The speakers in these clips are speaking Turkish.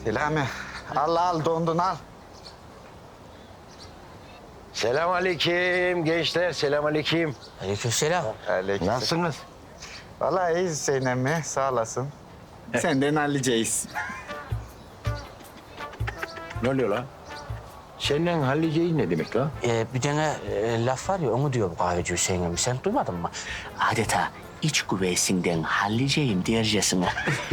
Selami, al dondun al. Selamünaleyküm gençler, selamünaleyküm. Aleykümselam. Nasılsınız? Vallahi iyiyiz Hüseyin emmi, sağ olasın. Senden halledeceğiz. Ne oluyor lan? Senden halledeceğin ne demek lan? Bir tane laf var ya, onu diyor bu kahveci Hüseyin emmi. Sen duymadın mı? Adeta iç güveysinden halledeceğim diyercesine.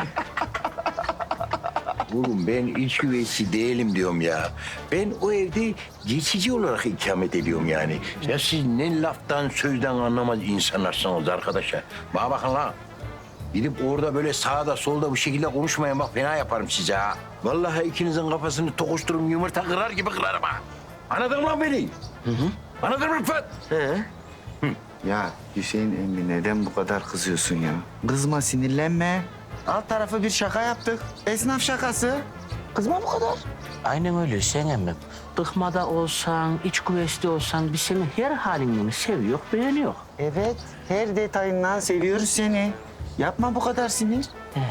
Oğlum ben iç güveysi değilim diyorum ya. Ben o evde geçici olarak ikamet ediyorum yani. Ya siz ne laftan sözden anlamaz insanlarsınız arkadaşlar. Bana bakın lan. Gidip orada böyle sağda solda bu şekilde konuşmayın bak fena yaparım size ha. Vallahi ikinizin kafasını tokuştururum yumurta kırar gibi kırarım ha. Anladın mı lan beni? Anladın mı Rıfat? Ya Hüseyin emmi neden bu kadar kızıyorsun ya? Kızma, sinirlenme. Alt tarafı bir şaka yaptık. Esnaf şakası. Kızma bu kadar. Aynen öyle Hüseyin emmim. Dıkmada olsan, iç güveysi olsan biz senin her halini seviyor, beğeniyor. Evet, her detayından seviyoruz seni. Yapma bu kadar sinir.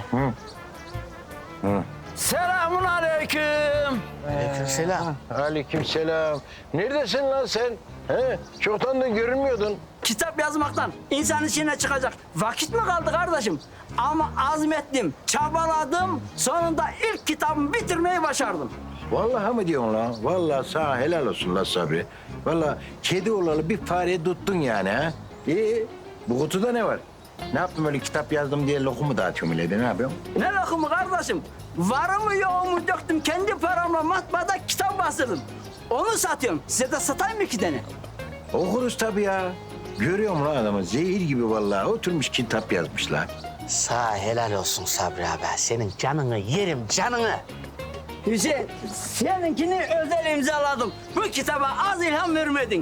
Selamun aleyküm. Aleykümselam. Aleykümselam. Neredesin lan sen? He? Çoktan da görünmüyordun. Kitap yazmaktan insan içine çıkacak vakit mi kaldı kardeşim? Ama azmettim, çabaladım, sonunda ilk kitabımı bitirmeyi başardım. Vallahi mı diyorsun lan? Vallahi sana helal olsun lan Sabri. Vallahi kedi olalı bir fare tuttun yani ha. İyi. Bu kutuda ne var? Ne yaptın öyle kitap yazdım diye lokumu dağıtıyorum öyle de ne yapıyorsun? Ne lokumu kardeşim? Varımı yoğumu döktüm, kendi paramla matbaada kitap bastırdım. Onu satıyorum. Size de satayım mı iki tane? Okuruz tabii ya. Görüyorum lan adamı zehir gibi vallahi oturmuş kitap yazmışlar. Sağ helal olsun Sabri abi. Senin canını yerim, canını. Hüseyin, seninkini özel imzaladım. Bu kitaba az ilham vermedin.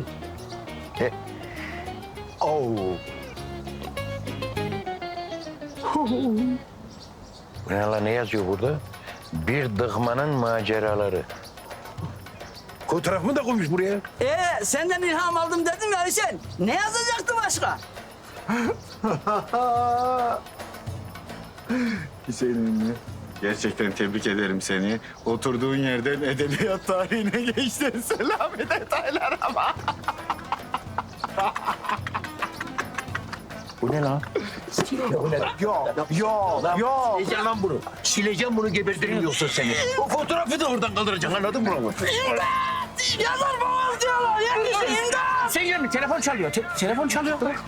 Oo. Bu ne lan ne yazıyor burada? Bir dıkmanın maceraları. Fotoğrafımı da koymuş buraya. Senden ilham aldım dedim ya Hüseyin. Ne yazacaktı başka? Hüseyin emmi, gerçekten tebrik ederim seni. Oturduğun yerden edebiyat tarihine geçtin. Selami detaylar ama. Bu ne lan? Yok. Sileceğim lan bunu. Sileceğim bunu gebertirim yoksa seni. O fotoğrafı da oradan kaldıracaksın anladın mı? Yazar babam diyorlar. Yetişin imdat. Sen gelme, telefon çalıyor. Telefon çalıyor. Bırak.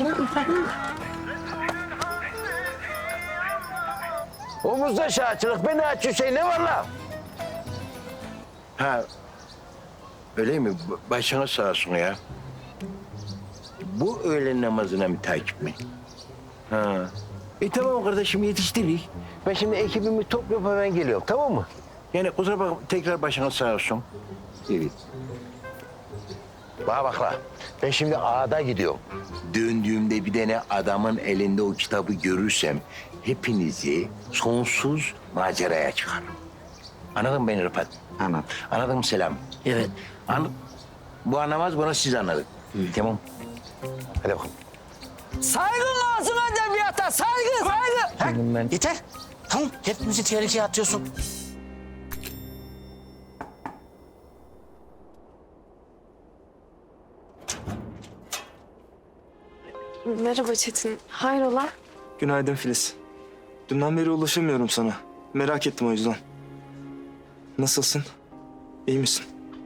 Omuzda şahçılık beni aç Hüseyin ne var lan? Ha öyle mi? Başına sağ olsun ya. Bu öğlen namazına mı takip mi? Ha. Tamam kardeşim yetiştirdik. Ben şimdi ekibimi toplayıp hemen geliyorum tamam mı? Yani kusura bakma tekrar başına sağ olsun. Evet. Bana bak la. Ben şimdi ağda gidiyorum. Döndüğümde bir tane adamın elinde o kitabı görürsem hepinizi sonsuz maceraya çıkarım. Anladın mı beni Rıfat? Anladım. Anladın mı Selam? Evet. Bu anlamaz bunu siz anladın. Tamam. Hadi bakalım. Saygın lazım edebiyata. Saygı. Ben... Yeter. Tamam, hepimizi tehlikeye atıyorsun. Merhaba Çetin. Hayrola? Günaydın Filiz. Dünden beri ulaşamıyorum sana. Merak ettim o yüzden. Nasılsın? İyi misin?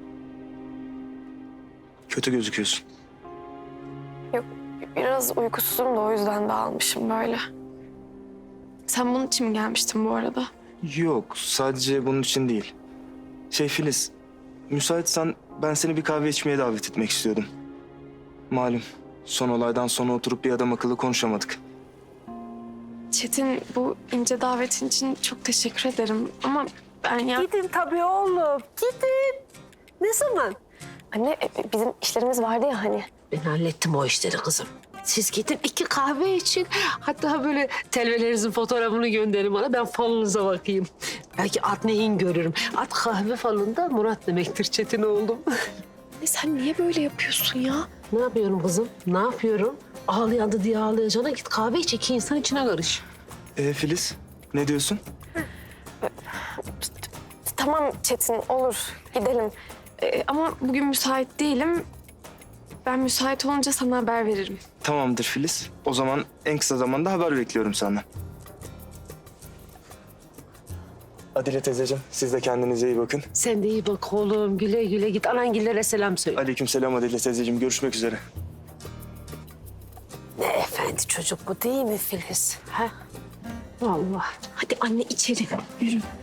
Kötü gözüküyorsun. Yok, biraz uykusuzum da o yüzden dağılmışım böyle. Sen bunun için mi gelmiştin bu arada? Yok, sadece bunun için değil. Filiz, müsaitsen ben seni bir kahve içmeye davet etmek istiyordum. Malum, son olaydan sonra oturup bir adam akıllı konuşamadık. Çetin, bu ince davetin için çok teşekkür ederim. Ama ben ya... Gidin tabii oğlum. Gidin. Ne zaman? Anne, bizim işlerimiz vardı ya hani. Ben hallettim o işleri kızım. Siz gidin 2 kahve için. Hatta böyle telvelerinizin fotoğrafını gönderin bana. Ben falunuza bakayım. Belki at neyin görürüm. At kahve falında Murat demektir Çetin oğlum. Sen niye böyle yapıyorsun ya? Ne yapıyorum kızım? Ne yapıyorum? Ağlayandı diye ağlayacağına git kahve iç. 2 insan içine karış. Filiz, ne diyorsun? Tamam Çetin, olur. Gidelim. Ama bugün müsait değilim. Ben müsait olunca sana haber veririm. Tamamdır Filiz. O zaman en kısa zamanda haber bekliyorum senden. Adile teyzeciğim, siz de kendinize iyi bakın. Sen de iyi bak oğlum. Güle güle git. Anangillere selam söyle. Aleykümselam Adile teyzeciğim. Görüşmek üzere. Ne efendi çocuk bu değil mi Filiz? Ha? Vallahi. Hadi anne içeri. Yürü.